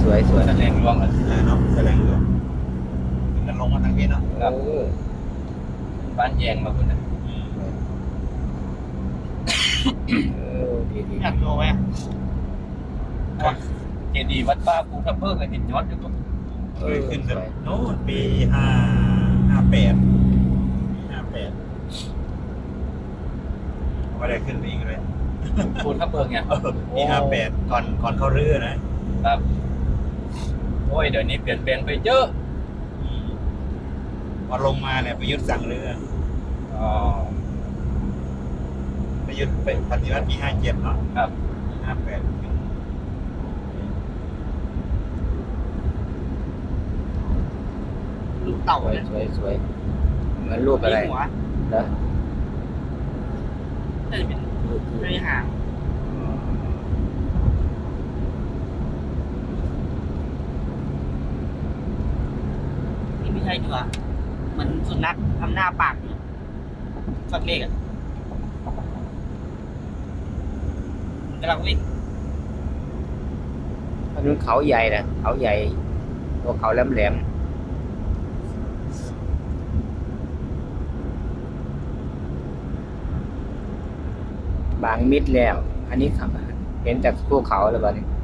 สวยสวยแสดงรวมกันเนาะแสดงอยู่มันลงมาทางนี้เนาะครับบ้านแยงมาคุณนะดีอยากดูไหมเจดีย์วัดป้าภูทับเบิกกับหินย้อนอยู่ตรงเคยขึ้นสแบบวยโน้นปี58ไม่ได้ขึ้นไปอีกเลยภูทับเบิกไงปี58ก่อนเข้าเรือนะครับโอ้ยเดี๋ยวนี้เปลี่ยนแปลงไปเยอะพอลงมาเนี่ยประยุทธ์สั่งเรืออ๋อประยุทธ์ไปปฏิวัติปี57เนาะครับ 58 ลูกเต่าสวยเนี่ยสวยสวยเหมือนรูปอะไรมีหัวเหรอน่าจะเป็นรูปที่ไม่หางนี่ไม่ใช่ดีกว่ามันสุนัขทำหน้าปากอยู่สัตว์เล็กอ่ะมันกำลังวิ่งอันนู้นเขาใหญ่นะเขาใหญ่ตัวเขาแหลมแหลมบางมิดแล้ว อันนี้ครับเห็นแต่ภูเขาแล้วบ้านี้